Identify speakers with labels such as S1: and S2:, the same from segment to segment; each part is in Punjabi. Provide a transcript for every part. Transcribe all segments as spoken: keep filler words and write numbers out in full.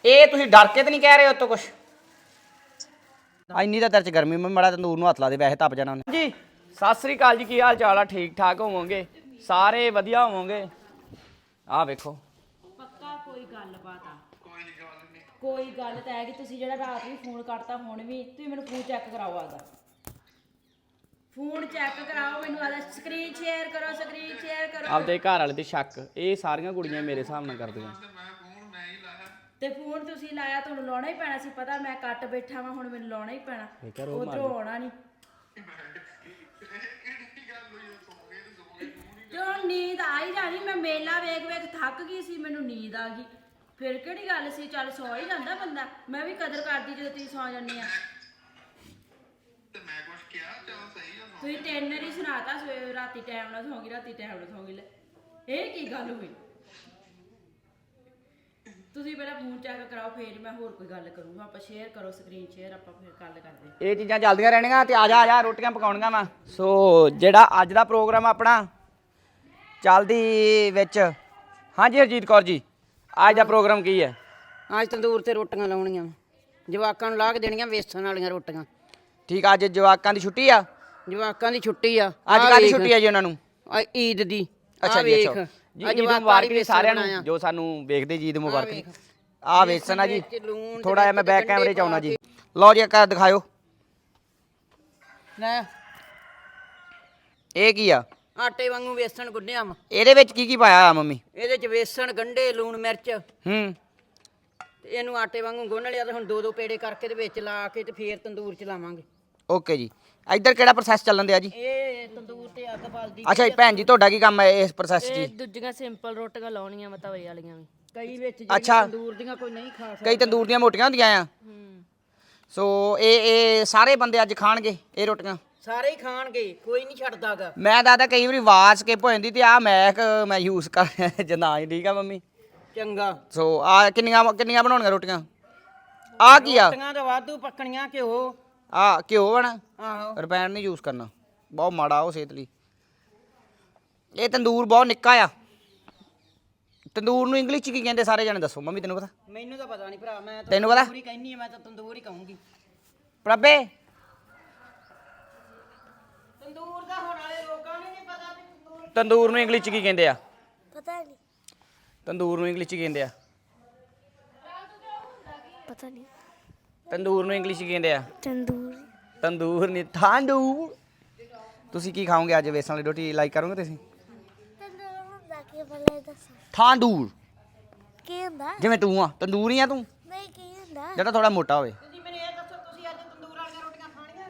S1: ਇਹ ਤੁਸੀਂ ਡਰ ਕੇ ਤਾਂ ਨਹੀਂ ਕਹਿ ਰਹੇ ਉਤੋਂ ਕੁਛ? ਇੰਨੀ ਤਾਂ ਤੇਰੇ 'ਚ ਗਰਮੀ ਮੈਂ ਮੜਾ ਤੰਦੂਰ ਨੂੰ ਹੱਥ ਲਾ ਦੇ, ਵੈਸੇ ਤਪ ਜਾਣਾ ਉਹਨੇ। ਜੀ ਸਤਿ ਸ੍ਰੀ ਅਕਾਲ ਜੀ, ਕੀ ਹਾਲ ਚਾਲ ਆ? ਠੀਕ ਠਾਕ ਹੋਵੋਗੇ ਸਾਰੇ, ਵਧੀਆ ਹੋਵੋਗੇ। ਆਹ ਵੇਖੋ
S2: ਪੱਕਾ ਕੋਈ ਗੱਲਬਾਤ ਆ, ਕੋਈ ਗੱਲ ਤਾਂ ਹੈ ਕਿ ਤੁਸੀਂ ਜਿਹੜਾ ਰਾਤ ਵੀ ਫੋਨ ਕਰਤਾ, ਹੁਣ ਵੀ ਤੁਸੀਂ ਮੈਨੂੰ ਫੋਨ ਚੈੱਕ ਕਰਾਓ, ਆਦਾ ਫੋਨ ਚੈੱਕ ਕਰਾਓ ਮੈਨੂੰ, ਆਦਾ ਸਕਰੀਨ ਸ਼ੇਅਰ ਕਰੋ, ਸਕਰੀਨ ਸ਼ੇਅਰ ਕਰੋ।
S1: ਆਪਦੇ ਘਰ ਵਾਲੇ ਤੇ ਸ਼ੱਕ ਇਹ ਸਾਰੀਆਂ ਕੁੜੀਆਂ ਮੇਰੇ ਹਿਸਾਬ ਨਾਲ ਕਰਦੀਆਂ।
S2: ਤੇ ਫੋਨ ਤੁਸੀਂ ਲਾਇਆ, ਤੁਹਾਨੂੰ ਲਾਉਣਾ ਹੀ ਪੈਣਾ ਸੀ, ਪਤਾ ਮੈਂ ਕੱਟ ਬੈਠਾ ਵਾਂ, ਹੁਣ ਮੈਨੂੰ ਲਾਉਣਾ ਹੀ ਪੈਣਾ, ਉਧਰੋਂ ਆਉਣਾ ਨਹੀਂ। ਤੇ ਹੁਣ ਨੀਂਦ ਆ ਹੀ ਜਾਣੀ, ਮੈਂ ਮੇਲਾ ਵੇਖ ਵੇਖ ਥੱਕ ਗਈ ਸੀ, ਮੈਨੂੰ ਨੀਂਦ ਆ ਗਈ, ਫਿਰ ਕਿਹੜੀ ਗੱਲ ਸੀ, ਚੱਲ ਸੌ ਹੀ ਜਾਂਦਾ ਬੰਦਾ। ਮੈਂ ਵੀ ਕਦਰ ਕਰਦੀ ਜਦੋਂ ਤੁਸੀਂ ਸੌ ਜਾਂਦੇ ਆ। ਤੁਸੀਂ ਤਿੰਨ ਵਾਰੀ ਸੁਣਾਤਾ, ਸਵੇਰੇ ਰਾਤੀ ਟਾਈਮ ਨਾਲ ਸੌਂਗੀ, ਰਾਤੀ ਟਾਈਮ ਨਾਲ ਸੌਂਗੀ, ਲੈ ਇਹ ਕੀ ਗੱਲ ਹੋਈ? ਤੁਸੀਂ ਪਹਿਲਾਂ ਫੋਨ ਚੈੱਕ ਕਰਾਓ, ਫੇਰ ਮੈਂ ਹੋਰ ਕੋਈ ਗੱਲ ਕਰੂੰਗਾ। ਆਪਾਂ ਸ਼ੇਅਰ ਕਰੋ, ਸਕਰੀਨ ਸ਼ੇਅਰ, ਆਪਾਂ ਫਿਰ ਗੱਲ ਕਰਦੇ।
S1: ਇਹ ਚੀਜ਼ਾਂ ਚੱਲਦੀਆਂ ਰਹਿਣੀਆਂ ਤੇ ਆ ਜਾ ਆ ਜਾ ਰੋਟੀਆਂ ਪਕਾਉਣੀਆਂ ਵਾ। ਸੋ ਜਿਹੜਾ ਅੱਜ ਦਾ ਪ੍ਰੋਗਰਾਮ ਆਪਣਾ ਚੱਲਦੀ ਵਿੱਚ, ਹਾਂਜੀ ਹਰਜੀਤ ਕੌਰ ਜੀ, ਅੱਜ ਦਾ ਪ੍ਰੋਗਰਾਮ ਕੀ ਹੈ?
S3: ਅੱਜ ਤੰਦੂਰ ਤੇ ਰੋਟੀਆਂ ਲਾਉਣੀਆਂ, ਜਵਾਕਾਂ ਨੂੰ ਲਾ ਕੇ ਦੇਣੀਆਂ ਵੇਸਣ ਵਾਲੀਆਂ ਰੋਟੀਆਂ।
S1: ਠੀਕ ਆ, ਅੱਜ ਜਵਾਕਾਂ ਦੀ ਛੁੱਟੀ ਆ?
S3: ਜਵਾਕਾਂ ਦੀ ਛੁੱਟੀ ਆ।
S1: ਅੱਜ ਕਾਹਦੀ ਛੁੱਟੀ ਆ ਜੀ ਉਹਨਾਂ ਨੂੰ?
S3: ਈਦ ਦੀ।
S1: ਅੱਛਾ ਜੀ, ਅੱਛਾ ਜੀ, ਈਦ ਮੁਬਾਰਕ ਜੀ ਸਾਰਿਆਂ ਨੂੰ ਜੋ ਸਾਨੂੰ ਵੇਖਦੇ ਜੀ, ਈਦ ਮੁਬਾਰਕ ਜੀ। ਆ ਵੇਸਣ ਆ ਜੀ, ਥੋੜਾ ਜਿਹਾ ਮੈਂ ਬੈਕ ਕੈਮਰੇ 'ਚ ਆਉਣਾ ਜੀ। ਲਓ ਜੀ ਇੱਕ ਦਿਖਾਇਓ,
S3: ਲੈ
S1: ਇਹ ਕੀ ਆ?
S3: ਆਟੇ ਵਾਂਗੂ ਵੇਸਣ ਗੁੰਨਿਆ ਵਾ।
S1: ਇਹਦੇ ਵਿੱਚ ਕੀ ਕੀ ਪਾਇਆ ਆ ਮੰਮੀ?
S3: ਇਹਦੇ ਚ ਵੇਸਣ, ਗੰਢੇ, ਲੂਣ, ਮਿਰਚ,
S1: ਹੂੰ,
S3: ਤੇ ਇਹਨੂੰ ਆਟੇ ਵਾਂਗੂ ਗੁੰਨ ਲਿਆ ਤੇ ਹੁਣ ਦੋ ਦੋ ਪੇੜੇ ਕਰਕੇ ਤੇ ਵਿੱਚ ਲਾ ਕੇ ਤੇ ਫੇਰ ਤੰਦੂਰ ਚ ਲਾਵਾਂਗੇ।
S1: ਓਕੇ ਜੀ। ਇੱਧਰ ਕਿਹੜਾ ਪ੍ਰੋਸੈਸ ਚੱਲਣ ਦਿਆ ਜੀ?
S3: ਇਹ ਤੰਦੂਰ ਤੇ ਅੱਗ ਬਲਦੀ।
S1: ਅੱਛਾ ਜੀ ਭੈਣ ਜੀ, ਤੁਹਾਡਾ ਕੀ ਕੰਮ ਹੈ ਇਸ ਪ੍ਰੋਸੈਸ 'ਚ ਜੀ?
S2: ਦੂਜੀਆਂ ਸਿੰਪਲ ਰੋਟੀਆਂ ਲਾਉਣੀਆਂ ਵਾ, ਤਵੇ ਵਾਲੀਆਂ ਵੀ
S3: ਕਈ ਵਿੱਚ
S1: ਅੱਛਾ,
S3: ਤੰਦੂਰ ਦੀਆਂ ਕੋਈ ਨਹੀਂ ਖਾ ਸਕਦਾ।
S1: ਕਈ ਤੰਦੂਰ ਦੀਆਂ ਮੋਟੀਆਂ ਹੁੰਦੀਆਂ ਆ। ਸੋ ਇਹ ਇਹ ਸਾਰੇ ਬੰਦੇ ਅੱਜ ਖਾਣਗੇ ਇਹ ਰੋਟੀਆਂ?
S3: ਸਾਰੇ ਹੀ ਖਾਣਗੇ, ਕੋਈ ਨਹੀਂ ਛੱਡਦਾਗਾ।
S1: ਮੈਂ ਦਾਦਾ ਕਈ ਵਾਰੀ ਆਵਾਜ਼ ਸਕਿਪ ਹੋ ਜਾਂਦੀ ਤੇ ਆ ਮੈਕ ਮੈਂ ਯੂਜ਼ ਕਰ ਰਿਹਾ ਜਨਾ ਜੀ। ਠੀਕ ਆ ਮੰਮੀ?
S3: ਚੰਗਾ।
S1: ਸੋ ਆ ਕਿੰਨੀਆਂ ਕਿੰਨੀਆਂ ਬਣਾਉਣੀਆਂ ਰੋਟੀਆਂ? ਆ ਕੀ ਆ?
S3: ਰੋਟੀਆਂ ਤਾਂ ਵਾਧੂ ਪੱਕਣੀਆਂ, ਘਿਓ।
S1: ਆ ਘਿਓ ਬਣਾ?
S3: ਆਹੋ।
S1: ਰਿਫਾਈਨਡ ਨਹੀਂ ਯੂਜ਼ ਕਰਨਾ, ਬਹੁਤ ਮਾੜਾ ਉਹ ਸਿਹਤ ਲਈ। ਇਹ ਤੰਦੂਰ ਬਹੁਤ ਨਿੱਕਾ ਆ। ਤੰਦੂਰ ਨੂੰ ਇੰਗਲਿਸ਼ 'ਚ ਕੀ ਕਹਿੰਦੇ ਸਾਰੇ ਜਾਣੇ ਦੱਸੋ? ਮੰਮੀ ਤੈਨੂੰ ਪਤਾ?
S3: ਮੈਨੂੰ ਤਾਂ ਪਤਾ ਨਹੀਂ ਭਰਾ, ਮੈਂ ਤਾਂ
S1: ਤੈਨੂੰ ਪਤਾ?
S3: ਤੰਦੂਰ ਹੀ ਕਹਿੰਨੀ ਆ, ਮੈਂ ਤਾਂ ਤੰਦੂਰ ਹੀ ਕਹੂੰਗੀ।
S1: ਪ੍ਰਭੇ
S3: ਤੰਦੂਰ ਦਾ ਹੁਣ ਵਾਲੇ ਲੋਕਾਂ ਨੂੰ ਨਹੀਂ ਪਤਾ ਵੀ ਤੰਦੂਰ।
S1: ਤੰਦੂਰ ਨੂੰ ਇੰਗਲਿਸ਼ 'ਚ ਕੀ ਕਹਿੰਦੇ ਆ?
S4: ਪਤਾ ਨਹੀਂ।
S1: ਤੰਦੂਰ ਨੂੰ ਇੰਗਲਿਸ਼ 'ਚ ਕੀ ਕਹਿੰਦੇ ਆ?
S4: ਪਤਾ ਨਹੀਂ।
S1: ਤੰਦੂਰ ਨੂੰ ਇੰਗਲਿਸ਼ 'ਚ ਕੀ ਕਹਿੰਦੇ ਆ?
S4: ਤੰਦੂਰ।
S1: ਤੰਦੂਰ ਨਹੀਂ, ਤੰਦੂਰ। ਤੁਸੀਂ ਕੀ ਖਾਓਗੇ ਅੱਜ? ਵੇਸਣ ਵਾਲੀ ਰੋਟੀ ਲਾਈਕ ਕਰੋਗੇ ਤੁਸੀਂ?
S4: ਤੰਦੂਰ ਹੁੰਦਾ ਕੀ ਬਲੇ ਦੱਸੋ?
S1: ਤੰਦੂਰ
S4: ਕੀ ਹੁੰਦਾ?
S1: ਜਿਵੇਂ ਤੂੰ ਆ ਤੰਦੂਰ ਹੀ ਆ ਤੂੰ,
S4: ਨਹੀਂ ਕੀ ਹੁੰਦਾ?
S1: ਜਿਹੜਾ ਥੋੜਾ ਮੋਟਾ ਹੋਵੇ।
S3: ਤੁਸੀਂ ਮੈਨੂੰ ਇਹ ਦੱਸੋ, ਤੁਸੀਂ ਅੱਜ ਤੰਦੂਰ ਵਾਲੀਆਂ ਰੋਟੀਆਂ ਖਾਣੀਆਂ?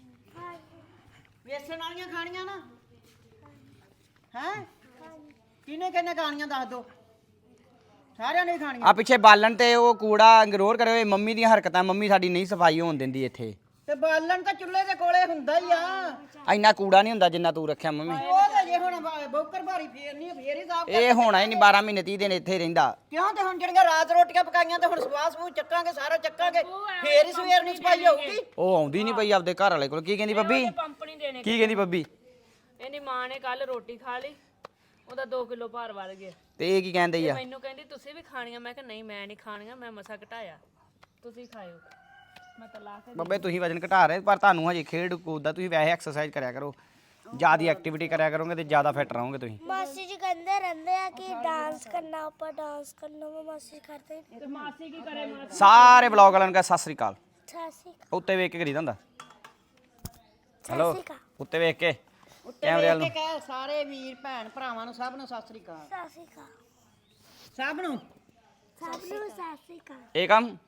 S3: ਵੇਸਣ ਵਾਲੀਆਂ ਖਾਣੀਆਂ ਨਾ? ਹੈ ਕਿਹਨੇ ਕਿਹਨੇ ਖਾਣੀਆਂ ਦੱਸ ਦੋ। ਸਾਰਿਆਂ ਨੇ ਖਾਣੀਆਂ।
S1: ਆ ਪਿੱਛੇ ਬਾਲਣ ਤੇ ਉਹ ਕੂੜਾ ਇਗਨੋਰ ਕਰਿਓ। ਇਹ ਮੰਮੀ ਦੀਆਂ ਹਰਕਤਾਂ। ਮੰਮੀ ਸਾਡੀ ਨਹੀਂ ਸਫਾਈ ਹੋਣ ਦਿੰਦੀ ਇੱਥੇ।
S3: ਤੇ ਬਾਲਣ ਤਾਂ ਚੁੱਲ੍ਹੇ ਦੇ ਕੋਲੇ ਹੁੰਦਾ ਹੀ ਆ।
S1: ਇੰਨਾ ਕੂੜਾ ਨਹੀਂ ਹੁੰਦਾ ਜਿੰਨਾ ਤੂੰ ਰੱਖਿਆ ਮੰਮੀ।
S3: ਉਹ ਤਾਂ ਜੇ ਹੁਣ ਬੌਕਰ ਭਾਰੀ ਫੇਰ ਨਹੀਂ, ਫੇਰ ਹੀ ਸਾਫ।
S1: ਇਹ ਹੋਣਾ ਹੀ ਨਹੀਂ, ਬਾਰਾਂ ਮਹੀਨੇ ਤੀਹ ਦਿਨ ਇੱਥੇ ਰਹਿੰਦਾ।
S3: ਕਿਉਂ? ਤੇ ਹੁਣ ਜਿਹੜੀਆਂ ਰਾਤ ਰੋਟੀਆਂ ਪਕਾਈਆਂ ਤੇ ਹੁਣ ਸਵਾਹ ਸਵੂਹ ਚੱਕਾਂਗੇ, ਸਾਰਾ ਚੱਕਾਂਗੇ, ਫੇਰ ਹੀ ਸਵੇਰ ਨੂੰ ਸਫਾਈ ਹੋਊਗੀ।
S1: ਉਹ ਆਉਂਦੀ ਨਹੀਂ ਪਈ ਆਪਦੇ ਘਰ ਵਾਲੇ ਕੋਲ। ਕੀ ਕਹਿੰਦੀ ਬੱਬੀ?
S2: ਪੰਪ ਨਹੀਂ ਦੇਣੇ।
S1: ਕੀ ਕਹਿੰਦੀ ਬੱਬੀ?
S2: ਇਹਦੀ ਮਾਂ ਨੇ ਕੱਲ ਰੋਟੀ ਖਾ ਲਈ, ਉਹਦਾ ਦੋ ਕਿਲੋ ਭਾਰ ਵੱਧ ਗਿਆ।
S1: ਤੇ ਇਹ ਕੀ ਕਹਿੰਦੇ ਆ?
S2: ਮੈਨੂੰ ਕਹਿੰਦੀ ਤੁਸੀਂ ਵੀ ਖਾਣੀਆਂ, ਮੈਂ ਕਿਹਾ ਨਹੀਂ ਮੈਂ ਨਹੀਂ ਖਾਣੀਆਂ, ਮੈਂ ਮਸਾ ਘਟਾਇਆ, ਤੁਸੀਂ ਖਾਇਓ। ਮੈਂ ਤਾਂ ਲਾ ਕੇ
S1: ਬੱਬੇ ਤੁਸੀਂ ਵਜਨ ਘਟਾ ਰਹੇ, ਪਰ ਤੁਹਾਨੂੰ ਹਜੇ ਖੇਡ ਕੂਦ ਦਾ। ਤੁਸੀਂ ਵੈਸੇ ਐਕਸਰਸਾਈਜ਼ ਕਰਿਆ ਕਰੋ, ਜ਼ਿਆਦਾ ਐਕਟੀਵਿਟੀ ਕਰਿਆ ਕਰੋਗੇ ਤੇ ਜ਼ਿਆਦਾ ਫਿੱਟ ਰਹੋਗੇ ਤੁਸੀਂ।
S4: ਮਾਸੀ ਜੀ ਕਹਿੰਦੇ ਰਹਿੰਦੇ ਆ ਕਿ ਡਾਂਸ ਕਰਨਾ, ਆਪਾਂ ਡਾਂਸ ਕਰਨਾ ਵਾ। ਮਾਸੀ ਕਰਦੇ
S2: ਤੇ ਮਾਸੀ ਕੀ ਕਰੇ? ਮਾਸੀ
S1: ਸਾਰੇ ਵਲੌਗ ਵਾਲਿਆਂ ਨੂੰ ਕਹ ਸਤਿ ਸ੍ਰੀ ਅਕਾਲ।
S4: ਸਾਸੀ
S1: ਉੱਤੇ ਵੇਖ ਕੇ ਕਰੀਦਾ ਹੁੰਦਾ। ਹੈਲੋ,
S4: ਸਾਸੀ ਕਾ
S1: ਉੱਤੇ ਵੇਖ ਕੇ
S3: ਉੱਤੇ
S1: ਕੈਮਰੇ ਵੱਲ
S3: ਵੇਖ
S1: ਨੂੰ।
S3: ਕੇ ਕਹਿ ਸਾਰੇ ਵੀਰ ਭੈਣ ਭਰਾਵਾਂ ਨੂੰ, ਸਭ ਨੂੰ ਸਤਿ ਸ੍ਰੀ ਅਕਾਲ।
S4: ਸਾਸੀ ਕਾ
S3: ਸਭ ਨੂੰ
S4: ਸਭ ਨੂੰ ਸਾਸੀ ਕਾ।
S1: ਇਹ ਕੰਮ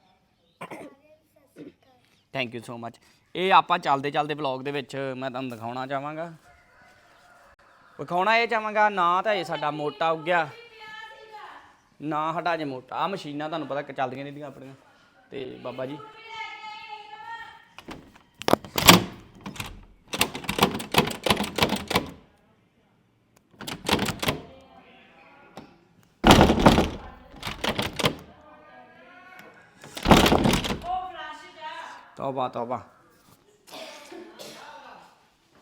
S1: ਥੈਂਕ ਯੂ ਸੋ ਮਚ। ਇਹ ਆਪਾਂ ਚੱਲਦੇ ਚੱਲਦੇ ਵਲੌਗ ਦੇ ਵਿੱਚ ਮੈਂ ਤੁਹਾਨੂੰ ਦਿਖਾਉਣਾ ਚਾਹਾਂਗਾ, ਵਿਖਾਉਣਾ ਇਹ ਚਾਹਾਂਗਾ। ਨਾ ਤਾਂ ਇਹ ਸਾਡਾ ਮੋਟਾ ਉੱਗਿਆ, ਨਾ ਸਾਡਾ ਅਜੇ ਮੋਟਾ। ਆ ਮਸ਼ੀਨਾਂ ਤੁਹਾਨੂੰ ਪਤਾ ਚੱਲਦੀਆਂ ਰਹਿੰਦੀਆਂ ਆਪਣੀਆਂ। ਤੇ ਬਾਬਾ ਜੀ ਤੌਬਾ ਤੌਬਾ।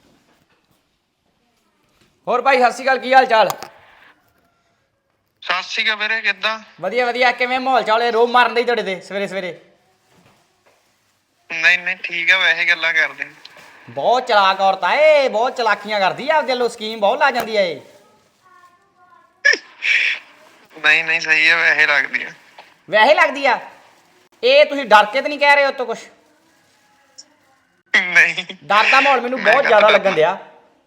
S1: ਹੋਰ ਭਾਈ ਸਤਿ ਸ਼੍ਰੀ ਅਕਾਲ, ਕੀ ਹਾਲ ਚਾਲ?
S5: ਸਤਿ ਸਤਿ ਸ਼੍ਰੀ ਅਕਾਲ ਵੀਰੇ, ਕਿੱਦਾਂ?
S1: ਵਧੀਆ ਵਧੀਆ। ਕਿਵੇਂ ਮਾਹੌਲ ਚਾਲੇ ਰੋਬ ਮਾਰਨ ਦੇ ਤੁਹਾਡੇ ਤੇ ਸਵੇਰੇ ਸਵੇਰੇ?
S5: ਨਹੀਂ ਨਹੀਂ ਠੀਕ ਆ, ਵੈਸੇ ਗੱਲਾਂ ਕਰਦੇ।
S1: ਬਹੁਤ ਚਲਾਕ ਔਰਤ ਆ ਇਹ, ਬਹੁਤ ਚਲਾਕੀਆਂ ਕਰਦੀ ਆ, ਆਪਦੇ ਲੋ ਸਕੀਮ ਬਹੁਤ ਲਾ ਜਾਂਦੀ ਆ ਇਹ।
S5: ਨਹੀਂ ਨਹੀਂ ਸਹੀ ਆ, ਵੈਸੇ ਲੱਗਦੀ ਆ।
S1: ਵੈਸੇ ਲੱਗਦੀ ਆ ਇਹ? ਤੁਸੀਂ ਡਰ ਕੇ ਤਾਂ ਨਹੀਂ ਕਹਿ ਰਹੇ ਉਤੋਂ ਕੁਛ?
S5: ਨਹੀਂ
S1: ਡਰ ਦਾ ਮਾਹੌਲ ਮੈਨੂੰ
S5: ਮੈਂ
S1: ਬਹੁਤ
S5: ਗੱਲ
S1: ਜ਼ਿਆਦਾ
S5: ਤਾਂ-
S1: ਲੱਗਣ ਦਿਆ।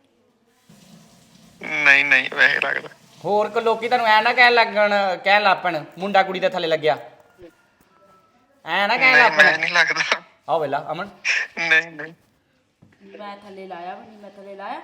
S5: ਨਹੀਂ ਨਹੀਂ ਵੈਸੇ ਲੱਗਦਾ।
S1: ਹੋਰ ਕੋ ਲੋਕੀ ਤੁਹਾਨੂੰ ਐ ਨਾ ਕਹਿਣ ਲੱਗਣ ਕਹਿਣ ਲੱਪਣ ਮੁੰਡਾ ਕੁੜੀ ਦੇ ਥੱਲੇ ਲੱਗਿਆ, ਐ ਨਾ ਕਹਿਣ
S5: ਨਹੀਂ ਮੈਂ
S1: ਲੱਪਣ।
S5: ਨਹੀਂ ਲੱਗਦਾ।
S1: ਆਹ ਵੇਲਾ ਅਮਨ,
S5: ਨਹੀਂ ਨਹੀਂ
S2: ਮੈਂ ਥੱਲੇ ਲਾਇਆ ਵੀ ਨਹੀਂ, ਮੈਂ ਥੱਲੇ ਲਾਇਆ।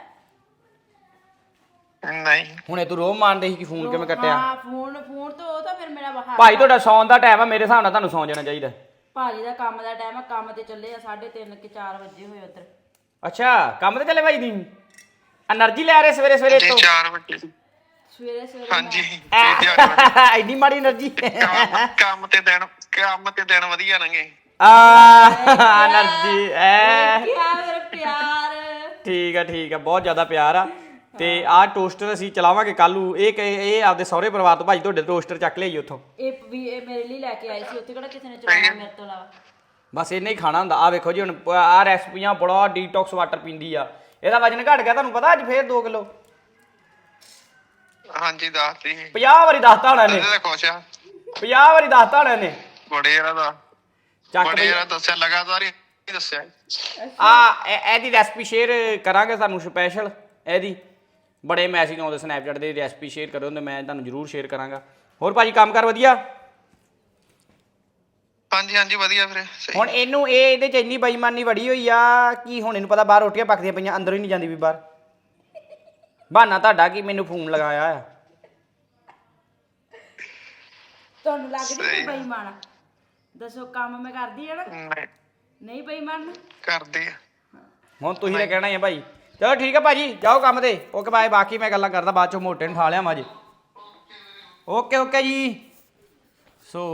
S5: ਨਹੀਂ
S1: ਹੁਣੇ ਤੂੰ ਰੋਬ ਮਾਰਦੇ ਸੀ ਕਿ ਫੋਨ ਕਿਵੇਂ ਕੱਟਿਆ?
S2: ਹਾਂ ਫੋਨ ਫੋਨ ਤੋਂ ਉਹ ਤਾਂ ਫਿਰ ਮੇਰਾ ਬਾਹਰ।
S1: ਭਾਈ ਤੁਹਾਡਾ ਸੌਣ ਦਾ ਟਾਈਮ ਆ, ਮੇਰੇ ਹਿਸਾਬ ਨਾਲ ਤੁਹਾਨੂੰ ਸੌਂ ਜਾਣਾ ਚਾਹੀਦਾ।
S2: ਭਾਜੀ ਦਾ ਕੰਮ ਦਾ ਟਾਈਮ ਆ, ਕੰਮ ਤੇ ਚੱਲੇ ਆ ਸਾਢੇ ਤਿੰਨ ਕਿ ਚਾਰ ਵਜੇ ਹੋਏ ਉਧਰ।
S1: ਅੱਛਾ ਕੰਮ ਤੇ ਚੱਲੇ ਭਾਈ ਦੀ એનર્ਜੀ ਲੈ ਰਹੇ ਸਵੇਰੇ ਸਵੇਰੇ
S5: ਜੀ
S1: ਤੋਂ?
S5: ਚਾਰ ਵਜੇ।
S2: ਸਵੇਰੇ ਸਵੇਰੇ
S5: ਹਾਂਜੀ
S2: ਮੈਂ-
S5: ਇਹ ਤਿਆਰ ਵਜੇ।
S1: ਐਡੀ ਮਾੜੀ એનર્ਜੀ।
S5: ਕੰਮ ਕੰਮ ਤੇ ਦਿਨ ਕੰਮ ਤੇ ਦਿਨ ਵਧੀਆ ਲੰਘੇ।
S1: ਆ એનર્ਜੀ ਐ
S2: ਕਿਆ ਮੇਰਾ ਪਿਆਰ।
S1: ਠੀਕ ਆ ਠੀਕ ਆ, ਬਹੁਤ ਜ਼ਿਆਦਾ ਪਿਆਰ ਆ। ਤੇ ਆਹ ਟੋਸਟਰ ਅਸੀਂ ਚਲਾਵਾਂਗੇ ਕੱਲ ਨੂੰ। ਇਹ ਕਿ- ਇਹ ਆਪਦੇ ਸਹੁਰੇ ਪਰਿਵਾਰ ਤੋਂ ਭਾਜੀ ਤੁਹਾਡੇ ਟੋਸਟਰ ਚੱਕ ਲਿਆਈ ਉੱਥੋਂ।
S2: ਇਹ ਵੀ ਇਹ ਮੇਰੇ ਲਈ ਲੈ ਕੇ ਆਈ ਸੀ, ਉੱਥੇ ਕਿਹੜਾ ਕਿਸੇ ਨੇ ਚਲਾਉਣਾ ਮੇਰੇ ਤੋਂ ਇਲਾਵਾ।
S1: ਬਸ ਇੰਨਾ ਹੀ ਖਾਣਾ ਹੁੰਦਾ। ਆ ਵੇਖੋ ਜੀ ਹੁਣ ਆਹ ਰੈਸਪੀਆਂ ਬੜਾ ਡੀਟੌਕਸ ਵਾਟਰ ਪੀਂਦੀ ਆ। ਇਹਦਾ ਵਜਨ ਘਟ ਗਿਆ ਤੁਹਾਨੂੰ ਪਤਾ, ਅੱਜ ਫੇਰ ਦੋ ਕਿਲੋ।
S5: ਹਾਂਜੀ ਦੱਸਦੀ
S1: ਪੰਜਾਹ ਵਾਰੀ ਦੱਸਤਾ ਹੋਣਾ ਇਹਨੇ,
S5: ਇਹਦਾ ਖੁਸ਼ ਆ।
S1: ਪੰਜਾਹ ਵਾਰੀ ਦੱਸਤਾ ਹੋਣਾ ਇਹਨੇ।
S5: ਬੜੇ ਯਾਰਾ ਦਾ
S1: ਚੱਕ
S5: ਬੜੇ
S1: ਬਈ
S5: ਯਾਰਾ ਦੱਸਿਆ, ਲਗਾਤਾਰ ਹੀ ਦੱਸਿਆ।
S1: ਆ ਇਹਦੀ ਰੈਸਪੀ ਸ਼ੇਅਰ ਕਰਾਂਗੇ ਤੁਹਾਨੂੰ ਸਪੈਸ਼ਲ। ਇਹਦੀ ਬੜੇ ਮੈਸੇਜ ਆਉਂਦੇ ਸਨੈਪਚੈਟ ਦੇ, ਰੈਸਪੀ ਸ਼ੇਅਰ ਕਰੋ ਤੇ ਮੈਂ ਤੁਹਾਨੂੰ ਜ਼ਰੂਰ ਸ਼ੇਅਰ ਕਰਾਂਗਾ। ਹੋਰ ਭਾਜੀ ਕੰਮ ਕਰ ਵਧੀਆ?
S5: ਹਾਂਜੀ ਹਾਂਜੀ ਵਧੀਆ ਵੀਰੇ ਸਹੀ।
S1: ਹੁਣ ਇਹਨੂੰ ਇਹ ਇਹਦੇ ਚ ਇੰਨੀ ਬੇਈਮਾਨੀ ਵੜੀ ਹੋਈ ਆ ਕਿ ਹੁਣ ਇਹਨੂੰ ਪਤਾ ਬਾਹਰ ਰੋਟੀਆਂ ਪੱਕਦੀਆਂ ਪਈਆਂ, ਅੰਦਰੋਂ ਹੀ ਨਹੀਂ ਜਾਂਦੀ ਵੀ ਬਾਹਰ। ਬਹਾਨਾ ਤੁਹਾਡਾ ਕਿ ਮੈਨੂੰ ਫੋਨ ਲਗਾਇਆ ਆ।
S2: ਤੁਹਾਨੂੰ ਲੱਗਦੀ ਕੋਈ ਬੇਈਮਾਨ ਆ? ਦੱਸੋ ਕੰਮ ਮੈਂ ਕਰਦੀ ਆ ਨਾ,
S5: ਨਹੀਂ
S2: ਨਹੀਂ ਬੇਈਮਾਨ।
S5: ਕਰਦੇ ਆ।
S1: ਹੁਣ ਤੁਸੀਂ ਤਾਂ ਕਹਿਣਾ ਹੀ ਆ ਭਾਈ। ਚਲੋ ਠੀਕ ਹੈ ਭਾਜੀ, ਜਾਓ ਕੰਮ ਤੇ। Okay bye. ਬਾਕੀ ਮੈਂ ਗੱਲਾਂ ਕਰਦਾ ਬਾਅਦ ਚੋਂ, ਮੋਟੇ ਨੂੰ ਠਾ ਲਿਆ ਮਾਜੇ। ਓਕੇ ਓਕੇ ਜੀ। ਸੋ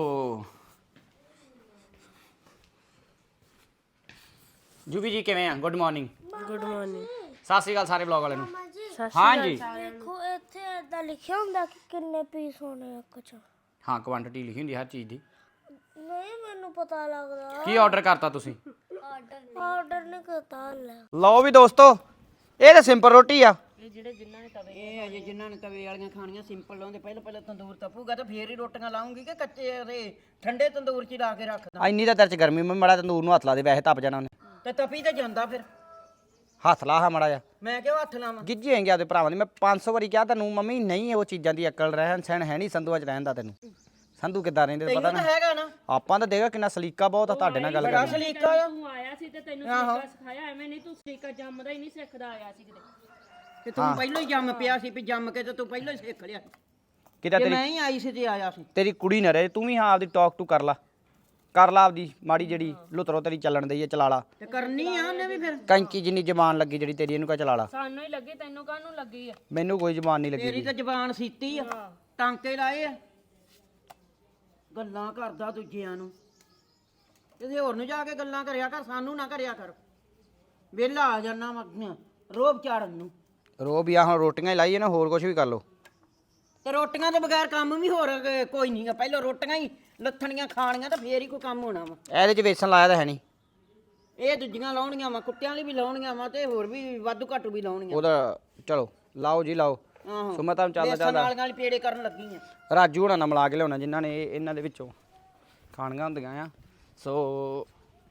S1: ਜੁਬੀ ਜੀ ਕਿਵੇਂ ਆ? Good morning.
S6: Good morning.
S1: ਸਤਿ ਸ਼੍ਰੀ ਅਕਾਲ ਸਾਰੇ ਬਲੌਗ ਵਾਲਿਆਂ ਨੂੰ।
S6: ਸਤਿ
S1: ਹਾਂਜੀ
S4: ਦੇਖੋ ਇੱਥੇ ਏਦਾਂ ਲਿਖਿਆ ਹੁੰਦਾ ਕਿ ਕਿੰਨੇ ਪੀਸ ਹੋਣੇ ਆ ਕੁਛ।
S1: ਹਾਂ ਕੁਆਂਟੀਟੀ ਲਿਖੀ ਹੁੰਦੀ ਹਰ ਚੀਜ਼ ਦੀ।
S4: ਨਹੀਂ ਮੈਨੂੰ ਪਤਾ ਲੱਗਦਾ।
S1: ਕੀ ਆਰਡਰ ਕਰਤਾ ਤੁਸੀਂ?
S4: ਆਰਡਰ ਨਹੀਂ ਕਰਤਾ ਲੈ।
S1: ਲਓ ਵੀ ਦੋਸਤੋ, ਇਹ ਤਾਂ ਸਿੰਪਲ ਰੋਟੀ ਆ।
S3: ਇਹ ਅਜੇ ਜਿਨ੍ਹਾਂ ਨੇ ਤਵੇ ਵਾਲੀਆਂ ਖਾਣੀਆਂ ਸਿੰਪਲ ਲਾਉਂਦੇ, ਪਹਿਲਾਂ ਪਹਿਲਾਂ ਤੰਦੂਰ ਤਪੂਗਾ ਤੇ ਫੇਰ ਹੀ ਰੋਟੀਆਂ ਲਾਉਂਗੀ ਕਿ ਕੱਚੇ ਦੇ ਠੰਡੇ ਤੰਦੂਰ 'ਚ ਹੀ ਲਾ ਕੇ ਰੱਖਦਾ।
S1: ਇੰਨੀ ਤਾਂ ਤੇਰੇ ਚ ਗਰਮੀ ਮੈਂ ਮੜਾ ਤੰਦੂਰ ਨੂੰ ਹੱਥ ਲਾ ਦੇ, ਵੈਸੇ ਤਪ ਜਾਣਾ ਉਹਨੇ।
S3: ਤੇ ਤਪੀ ਤੇ ਜਾਂਦਾ ਫਿਰ।
S1: ਹੱਥ ਲਾ ਹਾਂ ਮੜਾ ਜਾ।
S3: ਮੈਂ ਕਿਉਂ ਹੱਥ ਲਾਵਾਂ?
S1: ਗਿੱਜੀ ਹੋਏਗੀ ਆਪਦੇ ਭਰਾਵਾਂ ਦੀ। ਮੈਂ ਪੰਜ ਸੌ ਵਾਰੀ ਕਿਹਾ ਤੈਨੂੰ ਮੰਮੀ ਨਹੀਂ ਉਹ ਚੀਜ਼ਾਂ ਦੀ ਅਕਲ ਰਹਿਣ ਸਹਿਣ ਹੈ ਨਹੀਂ ਸੰਧੂਆਂ ਚ ਰਹਿਣ ਦਾ। ਤੈਨੂੰ ਸੰਧੂ ਕਿੱਦਾਂ ਰਹਿੰਦੇ ਪਤਾ
S3: ਤੈਨੂੰ ਤਾਂ
S1: ਨਾ।
S3: ਹੈਗਾ ਨਾ
S1: ਆਪਾਂ ਤਾਂ ਦੇਖਾ ਕਿੰਨਾ ਸਲੀਕਾ ਬਹੁਤ ਆ ਤੁਹਾਡੇ ਨਾਲ ਗੱਲ
S3: ਬੜਾ
S1: ਕਰਨੀ।
S3: ਸਲੀਕਾ ਆ।
S6: ਤੂੰ ਆਇਆ ਸੀ ਤੇ ਤੈਨੂੰ ਸਲੀਕਾ ਸਿਖਾਇਆ, ਐਵੇਂ ਨਹੀਂ ਤੂੰ ਸਲੀਕਾ ਜੰਮਦਾ ਹੀ ਨਹੀਂ ਸਿੱਖਦਾ ਆਇਆ ਸੀ ਕਿਤੇ।
S3: ਤੇ ਤੂੰ ਪਹਿਲਾਂ ਹੀ ਜੰਮ ਪਿਆ ਸੀ, ਵੀ ਜੰਮ ਕੇ ਤੇ ਤੂੰ ਪਹਿਲਾਂ ਹੀ ਸਿੱਖ ਲਿਆ।
S1: ਕਿਤੇ
S3: ਤੇ
S1: ਤੇਰੀ
S3: ਮੈਂ ਹੀ ਆਈ ਸੀ ਤੇ ਆਇਆ ਸੀ।
S1: ਤੇਰੀ ਕੁੜੀ ਨਾ ਰਹੇ, ਤੂੰ ਵੀ ਹਾਂ ਆਪਦੀ ਟਾਕ ਟੂ ਕਰ ਲਾ ਕਰ ਲਾ ਆਪਦੀ ਮਾੜੀ ਜਿਹੜੀ ਲੁਤਰੋ ਤੇਰੀ ਚੱਲਣ ਦਈ ਹੈ ਚਲਾ ਲਾ।
S3: ਤੇ ਕਰਨੀ ਆ ਉਹਨੇ ਵੀ ਫਿਰ।
S1: ਕੈਂਚੀ ਜਿੰਨੀ ਜ਼ਬਾਨ ਲੱਗੀ ਜਿਹੜੀ ਤੇਰੀ ਇਹਨੂੰ ਕਹ ਚਲਾ ਲਾ।
S6: ਸਾਨੂੰ ਹੀ ਲੱਗੀ, ਤੈਨੂੰ ਕਾਹਨੂੰ ਲੱਗੀ ਆ?
S1: ਮੈਨੂੰ ਕੋਈ ਜ਼ਬਾਨ ਨਹੀਂ ਲੱਗੀ
S3: ਤੇਰੀ
S1: ਜੀ।
S3: ਤਾਂ ਜ਼ਬਾਨ ਸੀਤੀ ਆ, ਟਾਂਕੇ ਲਾਏ ਆ, ਗੱਲਾਂ ਕਰਦਾ ਦੂਜਿਆਂ ਨੂੰ। ਕਿਸੇ ਹੋਰ ਨੂੰ ਜਾ ਕੇ ਗੱਲਾਂ ਕਰਿਆ ਕਰ, ਸਾਨੂੰ ਨਾ ਕਰਿਆ ਕਰ। ਵਿਹਲਾ ਆ ਜਾਣਾ ਮੈਂ ਰੋਬ ਚਾੜਨ ਨੂੰ।
S1: ਰੋ ਵੀ ਆ ਹੁਣ ਰੋਟੀਆਂ ਹੀ ਲਾਈਏ ਨਾ, ਹੋਰ ਕੁਝ ਵੀ ਕਰ ਲੋ।
S3: ਤੇ ਰੋਟੀਆਂ ਤੋਂ ਬਗੈਰ ਕੰਮ ਵੀ ਹੋਰ ਅ, ਕੋਈ ਨਹੀਂ ਆ। ਪਹਿਲਾਂ ਰੋਟੀਆਂ ਹੀ ਲੱਥਣੀਆਂ ਖਾਣੀਆਂ ਤਾਂ ਫੇਰ ਹੀ ਕੋਈ ਕੰਮ ਹੋਣਾ ਵਾ।
S1: ਇਹਦੇ ਚ ਵੇਸਣ ਲਾਇਆ ਤਾਂ ਹੈ ਨਹੀਂ।
S3: ਇਹ ਦੂਜੀਆਂ ਲਾਉਣੀਆਂ ਵਾ, ਕੁੱਤਿਆਂ ਲਈ ਵੀ ਲਾਉਣੀਆਂ ਵਾ ਤੇ ਹੋਰ ਵੀ ਵਾਧੂ ਘੱਟੂ ਵੀ ਲਾਉਣੀਆਂ।
S1: ਉਹਦਾ ਚਲੋ ਲਾਓ ਜੀ ਲਾਓ।
S3: ਆਹੋ
S1: ਸੋ ਮੈਂ ਤੁਹਾਨੂੰ ਚੱਲਦਾ
S3: ਬੇਸਣ
S1: ਚੱਲਦਾ
S3: ਵਾਲੀਆਂ ਵਾਲੀ ਪੇੜੇ ਕਰਨ ਲੱਗੀ ਆ।
S1: ਰਾਜੂ ਹੋਣਾ ਨਾਲ ਮਿਲਾ ਕੇ ਲਿਆਉਣਾ ਜਿਨ੍ਹਾਂ ਨੇ ਇਹ- ਇਹਨਾਂ ਦੇ ਵਿੱਚੋਂ ਖਾਣੀਆਂ ਹੁੰਦੀਆਂ ਆ। ਸੋ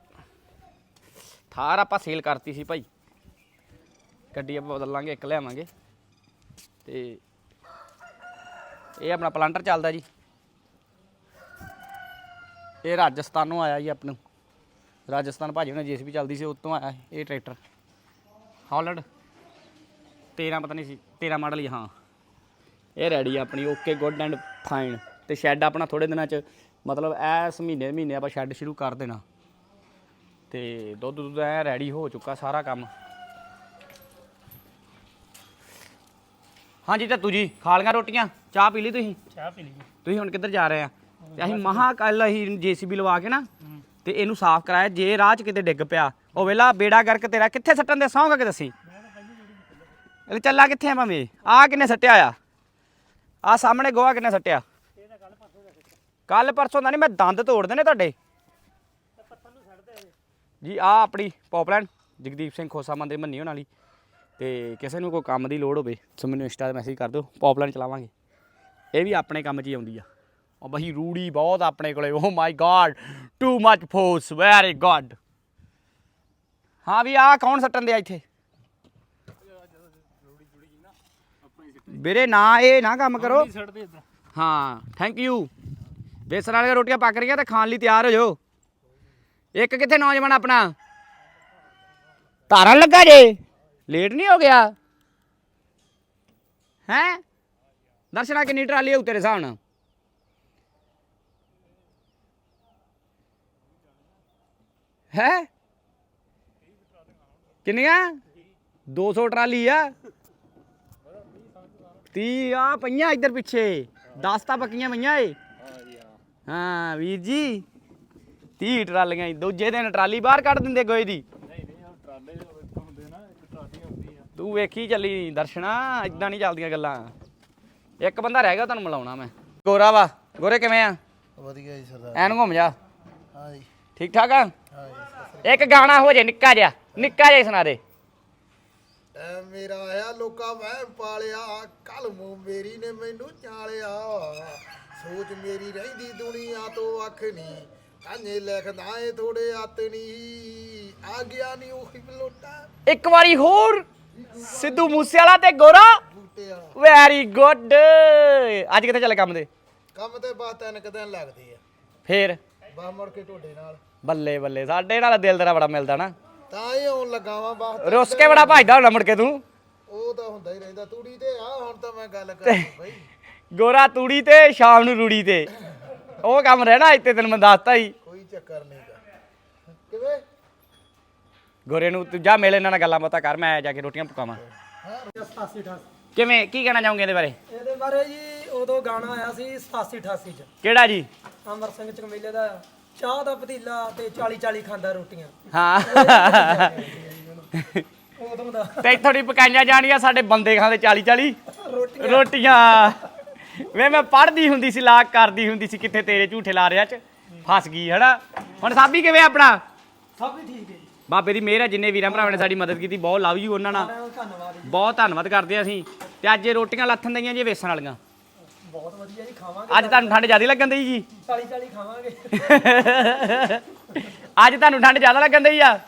S1: ਥਾਰ ਆਪਾਂ ਸੇਲ ਕਰਤੀ ਸੀ ਭਾਈ, ਗੱਡੀ ਆਪਾਂ ਬਦਲ ਲਾਂਗੇ, ਇੱਕ ਲਿਆਵਾਂਗੇ। ਤੇ ਇਹ ਆਪਣਾ ਪਲਾਂਟਰ ਚੱਲਦਾ ਜੀ, ਇਹ ਰਾਜਸਥਾਨੋਂ ਆਇਆ ਜੀ। ਆਪਣੇ ਰਾਜਸਥਾਨ ਭਾਜੀ ਉਹਨਾਂ ਜੇਸੀਬੀ ਚੱਲਦੀ ਸੀ, ਉੱਤੋਂ ਆਇਆ ਇਹ ਟਰੈਕਟਰ ਹੌਲੈਂਡ ਤੇਰਾਂ ਪਤਾ ਨਹੀਂ ਸੀ ਤੇਰਾਂ ਮਾਡਲ ਹੀ। ਹਾਂ ਇਹ ਰੈਡੀ ਆ ਆਪਣੀ, ਓਕੇ ਗੁੱਡ ਐਂਡ ਫਾਈਨ। ਤੇ ਸ਼ੈੱਡ ਆਪਣਾ ਥੋੜੇ ਦਿਨਾਂ 'ਚ ਮਤਲਬ ਇਸ ਮਹੀਨੇ ਮਹੀਨੇ ਆਪਾਂ ਸ਼ੈੱਡ ਸ਼ੁਰੂ ਕਰ ਦੇਣਾ। ਤੇ ਦੁੱਧ ਦੁੱਧ ਐ ਰੈਡੀ ਹੋ ਚੁੱਕਾ ਸਾਰਾ ਕੰਮ। ਹਾਂਜੀ ਤਾਤੂ ਜੀ ਖਾ ਲਈਆਂ ਰੋਟੀਆਂ, ਚਾਹ ਪੀ ਲਈ ਤੁਸੀਂ?
S6: ਚਾਹ ਪੀ ਲਈ।
S1: ਤੁਸੀਂ ਹੁਣ ਕਿੱਧਰ ਜਾ ਰਹੇ ਆ? ਤੇ ਅਸੀਂ ਮਹਾ ਕੱਲ ਅਸੀਂ ਜੇਸੀਬੀ ਲਵਾ ਕੇ ਨਾ ਤੇ ਇਹਨੂੰ ਸਾਫ਼ ਕਰਾਇਆ। ਜੇ ਰਾਹ 'ਚ ਕਿਤੇ ਡਿੱਗ ਪਿਆ ਉਹ ਵੇਲਾ ਬੇੜਾ ਗਰਕ ਤੇਰਾ। ਕਿੱਥੇ ਸੱਟਣ ਦੇ ਸੌਂਗਾ ਕਿ ਦੱਸੀ? ਇਹ ਚੱਲਾ ਕਿੱਥੇ ਆ ਭਾਵੇਂ? ਆ ਕਿੰਨੇ ਸੱਟਿਆ ਆ? ਆ ਸਾਹਮਣੇ ਗੋਹਾ ਕਿੰਨੇ ਸੱਟਿਆ? ਕੱਲ ਪਰਸੋਂ ਦਾ ਨਹੀਂ ਮੈਂ ਦੰਦ ਤੋੜ ਦੇਣੇ ਤੁਹਾਡੇ ਜੀ। ਆ ਆਪਣੀ ਪੌਪਲਾਈਨ ਜਗਦੀਪ ਸਿੰਘ ਖੋਸਾ ਮੰਦਰ ਮੰਨੀ ਹੋਣ ਵਾਲੀ। ਤੇ ਕਿਸੇ ਨੂੰ ਕੋਈ ਕੰਮ ਦੀ ਲੋੜ ਹੋਵੇ ਸੋ ਮੈਨੂੰ ਇੰਸਟਾ 'ਤੇ ਮੈਸੇਜ ਕਰ ਦਿਓ, ਪੌਪਲਾਈਨ ਚਲਾਵਾਂਗੇ। ਇਹ ਵੀ ਆਪਣੇ ਕੰਮ 'ਚ ਹੀ ਆਉਂਦੀ ਆ। ਉਹ ਬਈ ਰੂੜੀ ਬਹੁਤ ਆਪਣੇ ਕੋਲੇ। Oh my God too much force very good. ਹਾਂ ਵੀ ਆ ਕੌਣ ਸੱਟਣ ਦਿਆ ਇੱਥੇ ਵੀਰੇ? ਨਾ ਇਹ ਨਾ ਕੰਮ ਕਰੋ। ਹਾਂ ਥੈਂਕ ਯੂ। ਬੇਸਣ ਵਾਲੀਆਂ ਰੋਟੀਆਂ ਪੱਕ ਰਹੀਆਂ ਤੇ ਖਾਣ ਲਈ ਤਿਆਰ ਹੋ ਜਾਓ। ਇੱਕ ਕਿੱਥੇ ਨੌਜਵਾਨ ਆਪਣਾ ਧਾਰਨ ਲੱਗਾ ਜੇ? ਲੇਟ ਨਹੀਂ ਹੋ ਗਿਆ ਹੈਂ? ਦਰਸ਼ਨਾ ਕਿੰਨੀ ਟਰਾਲੀ ਹੋਊ ਤੇਰੇ ਹਿਸਾਬ ਨਾਲ? ਹੈ ਕਿੰਨੀਆਂ? ਦੋ ਸੌ ਟਰਾਲੀ ਆ। ਤੀਹ ਆ ਪਈਆਂ ਇੱਧਰ ਪਿੱਛੇ, ਦਸ ਤਾਂ ਪੱਕੀਆਂ ਪਈਆਂ ਏ। ਹਾਂ ਵੀਰ ਜੀ ਤੀਹ ਟਰਾਲੀਆਂ ਈ। ਦੂਜੇ ਦਿਨ ਟਰਾਲੀ ਬਾਹਰ ਕੱਢ ਦਿੰਦੇ ਗੋਏ ਦੀ। ਤੂੰ ਵੇਖੀ ਚੱਲੀ ਦਰਸ਼ਨਾ, ਇਦਾਂ ਨਹੀਂ ਚੱਲਦੀਆਂ ਗੱਲਾਂ। ਇੱਕ ਬੰਦਾ ਰਹਿ ਗਿਆ ਤੁਹਾਨੂੰ ਮਿਲਾਉਣਾ ਮੈਂ। ਗੋਰਾ ਵਾ। ਗੋਰੇ ਕਿਵੇਂ ਆ?
S7: ਵਧੀਆ ਜੀ ਸਰਦਾਰ।
S1: ਐਨ ਘੁੰਮ ਜਾ।
S7: ਹਾਂ ਜੀ
S1: ਠੀਕ ਠਾਕ ਆ?
S7: ਹਾਂ ਜੀ।
S1: ਇੱਕ ਗਾਣਾ ਹੋ ਜੇ ਨਿੱਕਾ ਜਿਹਾ, ਨਿੱਕਾ ਜਿਹਾ ਸੁਣਾ ਦੇ।
S7: ਐ ਮੇਰਾ ਆਇਆ ਲੋਕਾਂ ਵਹਿਮ ਪਾਲਿਆ, ਕੱਲ ਮੂੰ ਮੇਰੀ ਨੇ ਮੈਨੂੰ ਚਾਲਿਆ, ਸੋਚ ਮੇਰੀ ਰਹਿੰਦੀ ਦੁਨੀਆ ਤੋਂ ਵੱਖ ਨਹੀਂ, ਕਾਨੇ ਲਿਖਦਾ ਏ ਥੋੜੇ ਹੱਥ ਨਹੀਂ, ਆ ਗਿਆ ਨਹੀਂ ਉਹੀ ਬਲੋਟਾ।
S1: ਇੱਕ ਵਾਰੀ ਹੋਰ ਸਿੱਧੂ ਮੂਸੇ ਵਾਲਾ ਤੇ ਗੋਰਾ।
S7: ਬੂਟੇ ਵਾਲਾ
S1: ਵੈਰੀ ਗੁੱਡ। ਅੱਜ ਕਿੱਥੇ ਚੱਲੇ ਕੰਮ ਦੇ?
S7: ਕੰਮ ਤੇ ਬਸ ਤਿੰਨ ਕੁ ਦਿਨ ਲੱਗਦੇ ਆ,
S1: ਫੇਰ
S7: ਬਸ ਮੁੜ ਕੇ ਤੁਹਾਡੇ ਨਾਲ।
S1: ਬੱਲੇ ਬੱਲੇ, ਸਾਡੇ ਨਾਲ ਦਿਲ ਤੇਰਾ ਬੜਾ ਮਿਲਦਾ ਨਾ।
S7: ਤਾਂ ਹੀ ਆਉਣ ਲੱਗਾ ਵਾਂ ਬਸ।
S1: ਰੁੱਸ ਕੇ ਬੜਾ ਭਜਦਾ ਹੁੰਦਾ ਮੁੜ ਕੇ ਤੂੰ।
S7: ਉਹ ਤਾਂ ਹੁੰਦਾ ਹੀ ਰਹਿੰਦਾ। ਤੂੜੀ ਤੇ ਆ ਹੁਣ ਤਾਂ ਮੈਂ ਗੱਲ ਕਰਦਾ ਬਈ।
S1: ਗੋਰਾ ਤੂੜੀ ਤੇ ਸ਼ਾਮ ਨੂੰ ਰੂੜੀ ਤੇ, ਉਹ ਕੰਮ ਰਹਿਣਾ ਇੱਥੇ ਤੈਨੂੰ ਮੈਂ ਦੱਸਤਾ ਹੀ।
S7: ਕੋਈ ਚੱਕਰ ਨਹੀਂ ਗਾ। ਕਿਵੇਂ
S1: ਗੋਰੇ ਨੂੰ ਤੂੰ ਜਾ ਮਿਲ ਇਹਨਾਂ ਨਾਲ ਗੱਲਾਂ ਬਾਤਾਂ ਕਰ, ਮੈਂ ਜਾ ਕੇ ਰੋਟੀਆਂ ਪਕਾਵਾਂ। ਕਿਵੇਂ ਕੀ ਕਹਿਣਾ ਚਾਹੋਗੇ ਇਹਦੇ ਬਾਰੇ?
S8: ਇਹਦੇ ਬਾਰੇ ਜੀ ਉਦੋਂ ਗਾਣਾ ਆਇਆ ਸੀ ਸਤਾਸੀ ਅਠਾਸੀ ਚ,
S1: ਕਿਹੜਾ ਜੀ?
S8: ਅਮਰ ਸਿੰਘ ਚਕਮੇਲੇ ਦਾ, ਚਾਹ ਦਾ ਪਤੀਲਾ ਤੇ ਚਾਲੀ ਚਾਲੀ ਖਾਂਦਾ ਰੋਟੀਆਂ।
S1: ਹਾਂ
S8: ਉਦੋਂ ਦਾ
S1: ਤੇ ਥੋੜੀ ਪਕਾਈਆਂ ਜਾਣੀਆਂ, ਸਾਡੇ ਬੰਦੇ ਖਾਂਦੇ ਚਾਲੀ ਚਾਲੀ
S8: ਰੋਟੀਆਂ।
S1: ਰੋਟੀਆਂ। ਵੇ ਮੈਂ ਪੜ੍ਹਦੀ ਹੁੰਦੀ ਸੀ, ਲਾਕ ਕਰਦੀ ਹੁੰਦੀ ਸੀ, ਕਿੱਥੇ ਤੇਰੇ ਝੂਠੇ ਲਾਰਿਆਂ ਚ ਫਸ ਗਈ ਹਨਾ। ਹੁਣ ਸਾਬੀ ਕਿਵੇਂ ਆਪਣਾ?
S8: ਸਭ ਵੀ ਠੀਕ ਹੈ ਜੀ,
S1: ਬਾਬੇ ਦੀ ਮਿਹਰ ਹੈ, ਜਿੰਨੇ ਵੀਰਾਂ ਭਰਾਵਾਂ ਨੇ ਸਾਡੀ ਮਦਦ ਕੀਤੀ ਬਹੁਤ ਲਵ ਯੂ ਉਹਨਾਂ ਨਾਲ,
S8: ਧੰਨਵਾਦ ਜੀ।
S1: ਬਹੁਤ ਧੰਨਵਾਦ ਕਰਦੇ ਹਾਂ ਅਸੀਂ। ਤੇ ਅੱਜ ਇਹ ਰੋਟੀਆਂ ਲੱਥਣ ਦਈਆਂ ਜੀ ਵੇਸਣ ਵਾਲੀਆਂ।
S8: ਬਹੁਤ ਵਧੀਆ ਜੀ, ਖਾਵਾਂਗੇ।
S1: ਅੱਜ ਤੁਹਾਨੂੰ ਠੰਡ ਜ਼ਿਆਦਾ ਲੱਗਣ ਦਈ ਜੀ?
S8: ਚਾਲੀ ਚਾਲੀ ਖਾਵਾਂਗੇ।
S1: ਅੱਜ ਤੁਹਾਨੂੰ ਠੰਡ ਜ਼ਿਆਦਾ ਲੱਗਣ ਦਈ ਆ?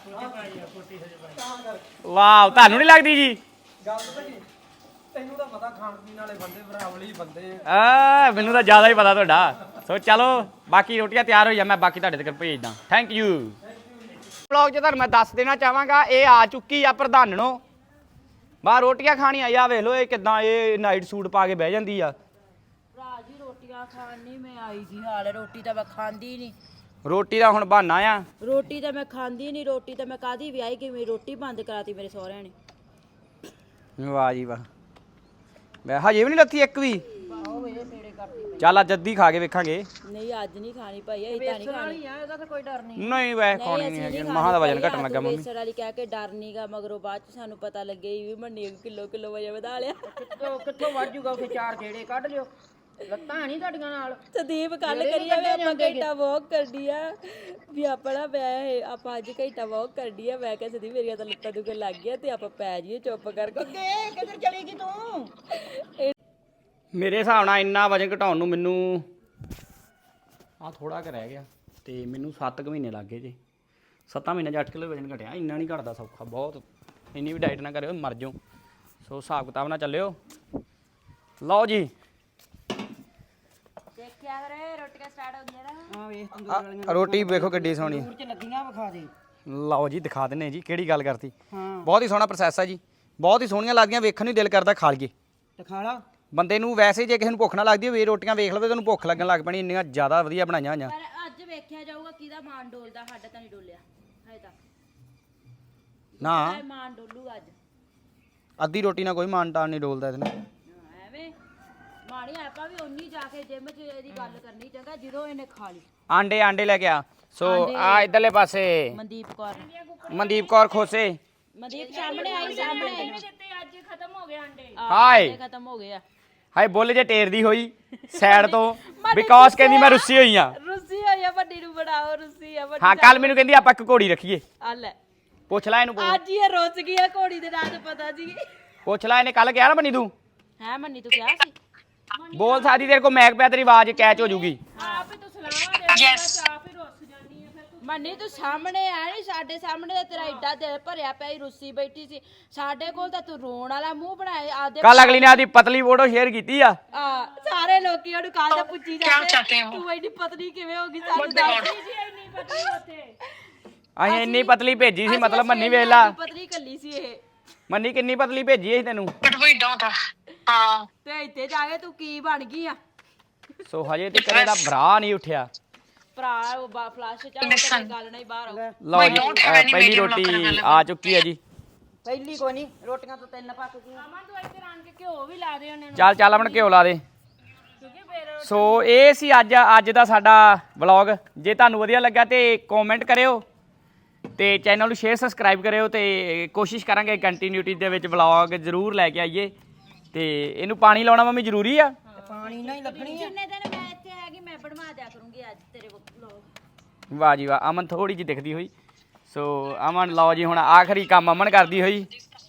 S1: ਵਾਹ, ਤੁਹਾਨੂੰ ਨਹੀਂ ਲੱਗਦੀ ਜੀ?
S8: ਗੱਲ ਪਤਾ ਕੀ, ਤੈਨੂੰ ਤਾਂ ਪਤਾ ਖਾਣ ਪੀਣ ਵਾਲੇ ਬੰਦੇ ਬਰਾਵਲੀ ਬੰਦੇ
S1: ਆ ਮੈਨੂੰ ਤਾਂ ਜ਼ਿਆਦਾ ਹੀ ਪਤਾ ਤੁਹਾਡਾ। ਸੋ ਚਲੋ ਬਾਕੀ ਰੋਟੀਆਂ ਤਿਆਰ ਹੋ ਜਾ, ਮੈਂ ਬਾਕੀ ਤੁਹਾਡੇ ਤੱਕ ਭੇਜਦਾ। Thank you. ਵਲੌਗ 'ਚ ਤੁਹਾਨੂੰ ਮੈਂ ਦੱਸ ਦੇਣਾ ਚਾਹਾਂਗਾ, ਇਹ ਆ ਚੁੱਕੀ ਆ ਪ੍ਰਧਾਨਣੋਂ ਬਾਹਰ ਰੋਟੀਆਂ ਖਾਣੀਆਂ। ਆ ਵੇਖ ਲਓ ਇਹ ਕਿੱਦਾਂ ਇਹ ਨਾਈਟ ਸੂਟ ਪਾ ਕੇ ਬਹਿ ਜਾਂਦੀ ਆ।
S2: ਭਰਾ ਜੀ ਰੋਟੀਆਂ ਖਾਣ ਨਹੀਂ ਮੈਂ ਆਈ ਜੀ, ਹਾਲ ਹੈ ਰੋਟੀ ਤਾਂ ਮੈਂ ਖਾਂਦੀ ਨਹੀਂ।
S1: ਰੋਟੀ ਦਾ ਹੁਣ ਬਹਾਨਾ ਆ।
S2: ਰੋਟੀ ਤਾਂ ਮੈਂ ਖਾਂਦੀ ਨਹੀਂ, ਰੋਟੀ ਤਾਂ ਮੈਂ ਕਾਦੀ ਵਿਆਹੀ ਗਈ, ਮੇਰੀ ਰੋਟੀ ਬੰਦ ਕਰਾਤੀ ਮੇਰੇ ਸਹੁਰਿਆਂ ਨੇ।
S1: ਵਾਹ ਜੀ ਵਾਹ, ਮੈਂ ਹਜੇ ਵੀ ਨਹੀਂ ਲੱਥੀ ਇੱਕ ਵੀ। ਚੱਲ ਅੱਜ ਅੱਧੀ ਖਾ ਕੇ ਵੇਖਾਂਗੇ।
S2: ਨਹੀਂ ਅੱਜ ਨਹੀਂ ਖਾਣੀ ਭਾਈ, ਅਸੀਂ ਤਾਂ ਨਹੀਂ ਖਾਣੀ।
S3: ਇਹਦਾ ਤਾਂ ਕੋਈ ਡਰ ਨਹੀਂ।
S1: ਨਹੀਂ ਵੈ ਖਾਣੀ ਨਹੀਂ ਹੈਗੀ, ਮਹਾਂ ਦਾ ਵਜਨ ਘਟਣ ਲੱਗਾ ਮੰਮੀ।
S2: ਬੇਸਣ ਵਾਲੀ ਕਹਿ ਕੇ ਡਰ ਨਹੀਂਗਾ, ਮਗਰੋਂ ਬਾਅਦ ਚ ਸਾਨੂੰ ਪਤਾ ਲੱਗੇ ਵੀ ਮੰਨੀ ਕਿਲੋ ਕਿਲੋ ਵਜੇ ਵਧਾ ਲਿਆ।
S3: ਕਿੱਥੋਂ ਕਿੱਥੋਂ ਵੱਢ ਜੂਗਾ ਉੱਥੇ, ਚਾਰ ਜਿਹੜੇ ਕੱਢ ਲਿਓ। ਲੱਤਾਂ ਨਹੀਂ ਤੁਹਾਡੀਆਂ ਨਾਲ।
S2: ਸੰਦੀਪ ਕੱਲ ਕਰੀਏ ਵੀ ਆਪਾਂ ਘੰਟਾ ਵਾਕ ਕਰਦੀ ਆ ਵੀ ਆਪਣਾ ਪੈ ਆਪਾਂ ਅੱਜ ਘੰਟਾ ਵਾਕ ਕਰਦੀ ਆ। ਮੈਂ ਕਿਹਾ ਸੰਦੀਪ ਮੇਰੀਆਂ ਤਾਂ ਲੱਤਾਂ ਦੁਖਣ ਲੱਗ ਗਿਆ ਤੇ ਆਪਾਂ ਪੈ ਜਾਈਏ ਚੁੱਪ ਕਰਕੇ।
S3: ਕਿੱਧਰ ਚਲੀ ਗਈ ਤੂੰ?
S1: ਮੇਰੇ ਹਿਸਾਬ ਨਾਲ ਇੰਨਾ ਵਜਨ ਘਟਾਉਣ ਨੂੰ ਮੈਨੂੰ ਆ ਥੋੜਾ ਕੁ ਰਹਿ ਗਿਆ ਤੇ ਮੈਨੂੰ ਸੱਤ ਕੁ ਮਹੀਨੇ ਲੱਗ ਗਏ ਜੀ। ਸੱਤਾਂ ਮਹੀਨੇ 'ਚ ਅੱਠ ਕਿਲੋ ਵਜਨ ਘਟਿਆ। ਇੰਨਾ ਨਹੀਂ ਘਟਦਾ ਸੌਖਾ, ਬਹੁਤ ਇੰਨੀ ਵੀ ਡਾਈਟ ਨਾ ਕਰਿਓ ਮਰ ਜਾਓ। ਸੋ ਹਿਸਾਬ ਕਿਤਾਬ ਨਾਲ ਚੱਲਿਓ। ਲਓ ਜੀ
S2: ਦੇਖਿਆ ਕਰੇ ਰੋਟੀਆਂ ਸਟਾਰਟ ਹੋ ਗਈਆਂ ਨਾ।
S3: ਹਾਂ ਵੇਖ ਤੰਦੂਰ ਵਾਲੀਆਂ
S1: ਰੋਟੀ ਵੇਖੋ ਕਿੱਡੀ ਸੋਹਣੀ।
S3: ਤੰਦੂਰ 'ਚ ਲੱਗੀਆਂ, ਵਿਖਾ ਦੇ।
S1: ਲਓ ਜੀ ਦਿਖਾ ਦਿੰਨੇ ਜੀ, ਕਿਹੜੀ ਗੱਲ ਕਰਤੀ।
S3: ਹਾਂ
S1: ਬਹੁਤ ਹੀ ਸੋਹਣਾ ਪ੍ਰੋਸੈਸ ਹੈ ਜੀ, ਬਹੁਤ ਹੀ ਸੋਹਣੀਆਂ ਲੱਗਦੀਆਂ, ਵੇਖਣ ਨੂੰ ਦਿਲ ਕਰਦਾ ਖਾ ਲਈਏ।
S3: ਤੇ ਖਾ ਲਾ।
S1: ਬੰਦੇ ਨੂੰ ਵੈਸੇ ਜੇ ਕਿਸੇ ਨੂੰ ਭੁੱਖ ਨਾ ਲੱਗਦੀ ਹੋਵੇ ਰੋਟੀਆਂ ਵੇਖ ਲਵੇ ਤੁਹਾਨੂੰ ਭੁੱਖ ਲੱਗਣ ਲੱਗ ਪੈਣੀ, ਇੰਨੀਆਂ ਜ਼ਿਆਦਾ ਵਧੀਆ ਬਣਾਈਆਂ ਹੋਈਆਂ।
S2: ਪਰ ਅੱਜ ਵੇਖਿਆ ਜਾਊਗਾ ਕਿਹਦਾ ਮਾਨ ਡੋਲਦਾ, ਸਾਡਾ ਤਾਂ ਨਹੀਂ ਡੋਲਿਆ ਹਜੇ ਤੱਕ।
S1: ਨਾ
S2: ਇਹ ਮਾਨ ਡੋਲੂਗਾ ਅੱਜ।
S1: ਅੱਧੀ ਰੋਟੀ ਨਾਲ ਕੋਈ ਮਾਨ ਤਾਨ ਨਹੀਂ ਡੋਲਦਾ ਇਹਦੇ ਨਾਲ।
S2: ਹਾਂ, ਐਵੇਂ ਮਾਣੀ ਆਪਾਂ ਵੀ ਉਨੀ ਜਾ ਕੇ ਜਿਮ 'ਚ ਇਹਦੀ ਗੱਲ ਕਰਨੀ ਚੰਗਾ ਜਦੋਂ ਇਹਨੇ ਖਾ ਲਈ।
S1: ਆਂਡੇ ਆਂਡੇ ਲੈ ਕੇ ਆ। ਸੋ ਆ ਇਧਰਲੇ ਪਾਸੇ
S2: ਮਨਦੀਪ ਕੌਰ
S1: ਮਨਦੀਪ ਕੌਰ ਖੋਸੇ।
S2: ਮਨਦੀਪ ਸਾਹਮਣੇ ਆਈ, ਸਾਹਮਣੇ
S6: ਦਿੱਤੇ ਅੱਜ ਖਤਮ ਹੋ ਗਏ ਅੰਡੇ।
S1: ਹਾਏ
S2: ਖਤਮ ਹੋ ਗਏ ਆ।
S1: ਹਾਏ ਬੁੱਲ ਜੇ ਟੇਰਦੀ ਹੋਈ ਸਾਈਡ ਤੋਂ ਬਿਕੋਜ਼ ਕਹਿੰਦੀ ਮੈਂ ਰੁੱਸੀ ਹੋਈ ਆ
S2: ਰੁੱਸੀ ਹੋਈ ਆ ਵੱਡੀ ਨੂੰ ਬਣਾਓ ਰੁੱਸੀ ਆ ਵੱਡੀ
S1: ਹਾਂ ਕੱਲ ਮੈਨੂੰ ਕਹਿੰਦੀ ਆਪਾਂ ਇੱਕ ਘੋੜੀ ਰੱਖੀਏ
S2: ਆ ਲੈ
S1: ਪੁੱਛ ਲੈ ਇਹਨੂੰ
S2: ਅੱਜ ਹੀ ਇਹ ਰੁੱਸ ਗਈ ਆ ਘੋੜੀ ਦੇ ਨਾਂ ਤੇ ਪਤਾ ਸੀ
S1: ਪੁੱਛ ਲੈ ਇਹਨੇ ਕੱਲ ਕਿਹਾ ਨਾ ਮੰਨੀ ਤੂੰ
S2: ਹੈ ਮੰਨੀ ਤੂੰ ਕਿਹਾ ਸੀ
S1: ਬੋਲ ਸਕਦੀ ਤੇਰੇ ਕੋ ਮੈਕ ਪਿਆ ਤੇਰੀ ਆਵਾਜ਼ ਕੈਚ ਹੋ ਜੂਗੀ
S6: ਆਪ ਹੀ ਤੂੰ ਸਲਾਹਾਂ ਦੇ ਆਪ ਹੀ ਰੁੱਸ ਜਾਂਦੀ ਆ ਫਿਰ ਤੂੰ
S2: ਮੰਨੀ ਤੂੰ ਸਾਹਮਣੇ ਆ ਨਹੀਂ ਸਾਡੇ ਸਾਹਮਣੇ ਤਾਂ ਤੇਰਾ ਏਡਾ ਦਿਲ ਭਰਿਆ ਪਿਆ ਸੀ ਰੁੱਸੀ ਬੈਠੀ ਸੀ ਸਾਡੇ ਕੋਲ ਤਾਂ ਤੂੰ ਰੋਣ ਵਾਲਾ ਮੂੰਹ ਬਣਾਏ ਆਦੇ
S1: ਕੱਲ ਅਗਲੀ ਨੇ ਆਦੀ ਪਤਲੀ ਫੋਟੋ ਸ਼ੇਅਰ ਕੀਤੀ ਆ
S2: ਆ ਸਾਰੇ ਲੋਕੀ ਉਹਨੂੰ ਕੱਲ ਦਾ ਪੁੱਛੀ ਜਾਂਦੇ ਤੂੰ ਐਡੀ ਪਤਲੀ ਕਿਵੇਂ ਹੋ ਗਈ ਸਾਨੂੰ ਦੱਸ
S6: ਜੀ ਇੰਨੀ ਪਤਲੀ ਉੱਥੇ
S1: ਅਸੀਂ ਇੰਨੀ ਪਤਲੀ ਭੇਜੀ ਸੀ ਮਤਲਬ ਮੰਨੀ ਵੇਖ ਲਾ
S2: ਪਤਲੀ ਕੱਲੀ ਸੀ ਇਹ
S1: ਮੰਨੀ ਕਿੰਨੀ ਪਤਲੀ ਭੇਜੀ ਸੀ ਤੈਨੂੰ
S5: ਹਾਂ
S2: ਤੇ ਇੱਥੇ ਜਾ ਕੇ ਤੂੰ ਕੀ ਬਣ ਗਈ ਆ
S1: ਸੋ ਹਜੇ ਤੇ ਕਦੇ ਦਾ ਭਰਾ ਨਹੀਂ ਉੱਠਿਆ
S2: ਭਰਾ ਉਹ ਫਲਾਸ਼ ਚ ਆ ਗੱਲ ਨਹੀਂ ਬਾਹਰ ਆਉ
S1: ਲਓ ਜੀ ਅਹ ਪਹਿਲੀ ਰੋਟੀ ਆ ਚੁੱਕੀ ਹੈ ਜੀ
S3: ਪਹਿਲੀ ਕੋਈ ਨਹੀਂ ਰੋਟੀਆਂ ਤਾਂ ਤਿੰਨ ਪੱਕ ਗਈਆਂ
S6: ਅਮਨ ਤੂੰ ਇੱਥੇ ਰੰਗ ਕੇ ਘਿਓ ਵੀ ਲਾ ਦੇ ਉਹਨਾਂ ਨੂੰ
S1: ਚੱਲ ਚੱਲ ਆਪਣ ਘਿਓ ਲਾ ਦੇ
S6: ਕਿਉਂਕਿ ਫਿਰ
S1: ਸੋ ਇਹ ਸੀ ਅੱਜ ਅੱਜ ਦਾ ਸਾਡਾ ਵਲੌਗ ਜੇ ਤੁਹਾਨੂੰ ਵਧੀਆ ਲੱਗਾ ਤੇ ਕਮੈਂਟ ਕਰਿਓ ਤੇ ਚੈਨਲ ਨੂੰ ਸ਼ੇਅਰ ਸਬਸਕ੍ਰਾਈਬ ਕਰਿਓ ਤੇ ਕੋਸ਼ਿਸ਼ ਕਰਾਂਗੇ ਕੰਟੀਨਿਊਟੀ ਦੇ ਵਿੱਚ ਵਲੌਗ ਜ਼ਰੂਰ ਲੈ ਕੇ ਆਈਏ ਤੇ ਇਹਨੂੰ ਪਾਣੀ ਲਾਉਣਾ ਮੰਮੀ ਜ਼ਰੂਰੀ ਆ
S3: ਤੇ ਪਾਣੀ ਨਾਲ ਹੀ ਲੱਗਣੀ ਆ
S2: ਜਿੰਨੇ ਦਿਨ ਮੈਂ ਇੱਥੇ ਹੈਗੀ ਮੈਂ ਬਣਵਾ ਦਿਆ ਕਰੂੰਗੀ ਅੱਜ ਤੇਰੇ ਵਲੋਗ
S1: ਵਾਹ ਜੀ ਵਾਹ ਅਮਨ ਥੋੜੀ ਜਿਹੀ ਦਿਖਦੀ ਹੋਈ ਸੋ ਅਮਨ ਲਓ ਜੀ ਹੁਣ ਆਖਰੀ ਕੰਮ ਅਮਨ ਕਰਦੀ ਹੋਈ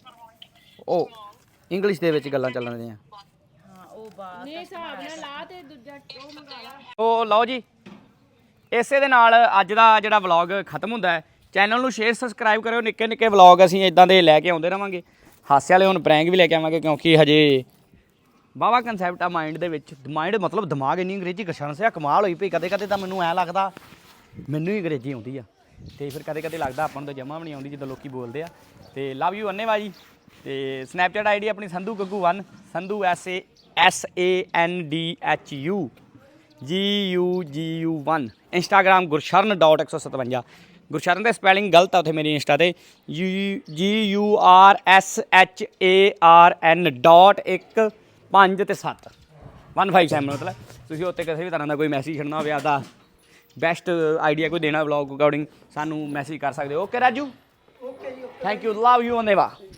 S1: ਉਹ ਇੰਗਲਿਸ਼ ਦੇ ਵਿੱਚ ਗੱਲਾਂ ਚੱਲਣ ਦੀਆਂ
S2: ਹਾਂ ਉਹ ਬਾਤ
S6: ਨੇ ਹਿਸਾਬ ਨਾਲ ਲਾ ਤੇ ਦੂਜਾ ਉਹ ਮੰਗਾ ਲਾ
S1: ਸੋ ਲਓ ਜੀ ਇਸੇ ਦੇ ਨਾਲ ਅੱਜ ਦਾ ਜਿਹੜਾ ਵਲੌਗ ਖਤਮ ਹੁੰਦਾ ਹੈ ਚੈਨਲ ਨੂੰ ਸ਼ੇਅਰ ਸਬਸਕ੍ਰਾਈਬ ਕਰਿਓ ਨਿੱਕੇ ਨਿੱਕੇ ਵਲੌਗ ਅਸੀਂ ਇਦਾਂ ਦੇ ਲੈ ਕੇ ਆਉਂਦੇ ਰਵਾਂਗੇ ਹਾਸੇ ਵਾਲੇ ਹੁਣ ਪ੍ਰੈਂਕ ਵੀ ਲੈ ਕੇ ਆਵਾਂਗੇ ਕਿਉਂਕਿ ਹਜੇ ਵਾਹਵਾ ਕਨਸੈਪਟ ਆ ਮਾਈਂਡ ਦੇ ਵਿੱਚ ਮਾਈਂਡ ਮਤਲਬ ਦਿਮਾਗ ਇੰਨੀ ਅੰਗਰੇਜ਼ੀ ਕਸ਼ਣ ਸਿਆ ਕਮਾਲ ਹੋਈ ਪਈ ਕਦੇ ਕਦੇ ਤਾਂ ਮੈਨੂੰ ਐਂ ਲੱਗਦਾ ਮੈਨੂੰ ਹੀ ਅੰਗਰੇਜ਼ੀ ਆਉਂਦੀ ਆ ਤੇ ਫਿਰ ਕਦੇ ਕਦੇ ਲੱਗਦਾ ਆਪਾਂ ਨੂੰ ਤਾਂ ਜਮਾ ਵੀ ਨਹੀਂ ਆਉਂਦੀ ਜਿੱਦਾਂ ਲੋਕੀ ਬੋਲਦੇ ਆ ਤੇ ਲਵ ਯੂ ਅੰਨੇਵਾ ਜੀ ਤੇ ਸਨੈਪਚੈਟ ਆਈਡੀ ਆਪਣੀ ਸੰਧੂ ਗੱਗੂ ਇੱਕ Sandhu S A S A N D H U G U G U ਇੱਕ ਇੰਸਟਾਗ੍ਰਾਮ ਗੁਰਸ਼ਰਨ ਡਾਟ ਇੱਕ ਸੌ ਸਤਵੰਜਾ ਗੁਰਸ਼ਰਨ ਦੀ ਸਪੈਲਿੰਗ ਗਲਤ ਆ ਉੱਥੇ ਮੇਰੀ ਇੰਸਟਾ ਤੇ U G U R S H A R N dot ਇੱਕ ਪੰਜ ਤੇ ਸੱਤ ਵਨ ਫਾਈਵ ਸੈਵਨ ਮਤਲਬ ਤੁਸੀਂ ਉੱਤੇ ਕਿਸੇ ਵੀ ਤਰ੍ਹਾਂ ਦਾ ਕੋਈ ਮੈਸੇਜ ਛੱਡਣਾ ਹੋਵੇ ਆਪਦਾ ਬੈਸਟ ਆਈਡੀਆ ਕੋਈ ਦੇਣਾ ਵਲੌਗ ਅਕੋਰਡਿੰਗ ਸਾਨੂੰ ਮੈਸੇਜ ਕਰ ਸਕਦੇ ਹੋ okay Raju okay ji thank you love you ਅੰਨੇਵਾ